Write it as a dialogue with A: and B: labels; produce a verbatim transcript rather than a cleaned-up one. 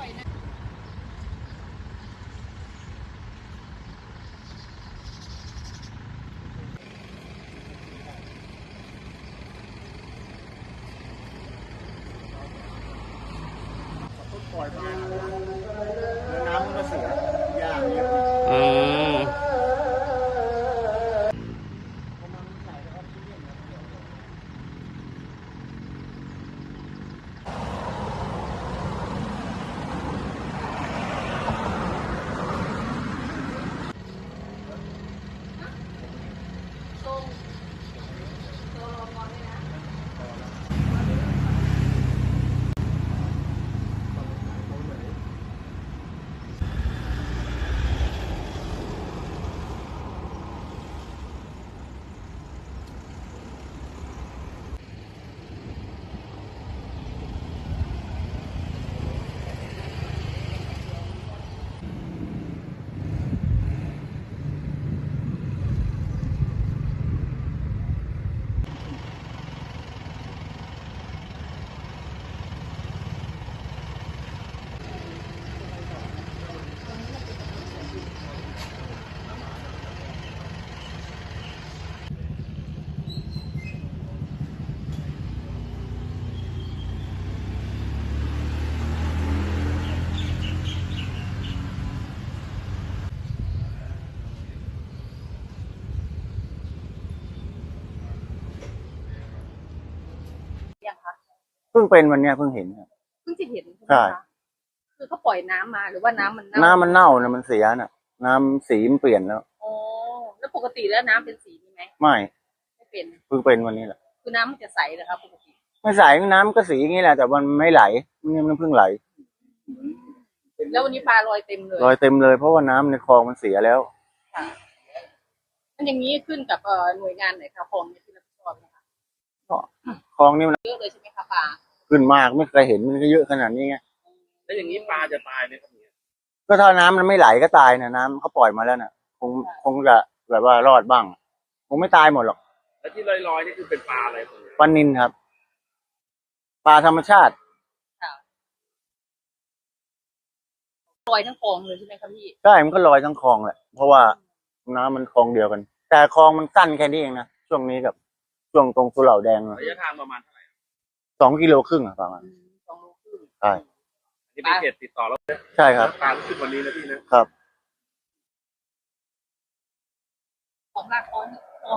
A: ปล่อยมาแล้วน้ำมันก็เสียยากเยอะ
B: อืม
C: ยังคะ
A: เพิ่งเป็นวันเนี้ยเพิ่งเห็นครับ
C: เพิ่งจะเห็นใช่ไหม
A: ใช่
C: คะคือเขาปล่อยน้ำมาหรือว่าน้ำมันเน่า
A: น้ำมันเน่านะมันเสียน่ะ น้ำสีมันเปลี่ยนแล้ว
C: อ๋อแล้วปกติแล้วน้ำเป็นสีนี้ไหม
A: ไม่
C: ไม่เป็น
A: เพิ่งเป็นวันนี้แหละ
C: คือน้ำมันจะใสเหรอครับปกติ
A: ไม่ใสน้ำก็สีอย่างนี้แหละแต่มันไม่ไหลนี่มันเพิ่งไหล
C: แล้ววันนี้ปลาลอยเต็มเลย
A: ลอยเต็มเลยเพราะว่าน้ำในคลองมันเสียแล้ว
C: ค่ะมันอย่างนี้ขึ้นกับเอ่อหน่วยงานไหนคะคลองเนี่ยที่รับผิดชอบนะคะ
A: คลองนี่มัน
C: เยอะเลยใช่ไหมคะปลา
A: ขึ้นมากไม่เคยเห็นมันก็เยอะขนาดนี้ไง
B: แล้วอย่างนี้ปลาจะตายไหมครับเนี่ย
A: ก็ถ้าน้ำมันไม่ไหลก็ตายนะน้ำเขาปล่อยมาแล้วน่ะคงคงจะแบบว่ารอดบ้างคงไม่ตายหมดหรอก
B: แล้วที่ลอยๆนี่คือเป็นปลาอะไรครับ
A: ปลานิลครับปลาธรรมชาติ
C: ค่ะลอยทั้งคลองเลยใช่ไหมคะพี่
A: ใช่มันก็ลอยทั้งคลองแหละเพราะว่าน้ำมันคลองเดียวกันแต่คลองมันสั้นแค่นี้เองนะช่วงนี้กับช่วงตรงสุเหร่าแดง
B: ระยะทางประมาณเท่าไหร่
A: สองกิโลครึ่งอะประมาณ
C: สองโลครึ่ง
A: ใช่
B: นี่เป็นเขตติดต่อแล้ว
A: ใช่ครับ
B: ปลาขึ้นวันนี้นะพี่นะครับ
C: ของรากอ้อย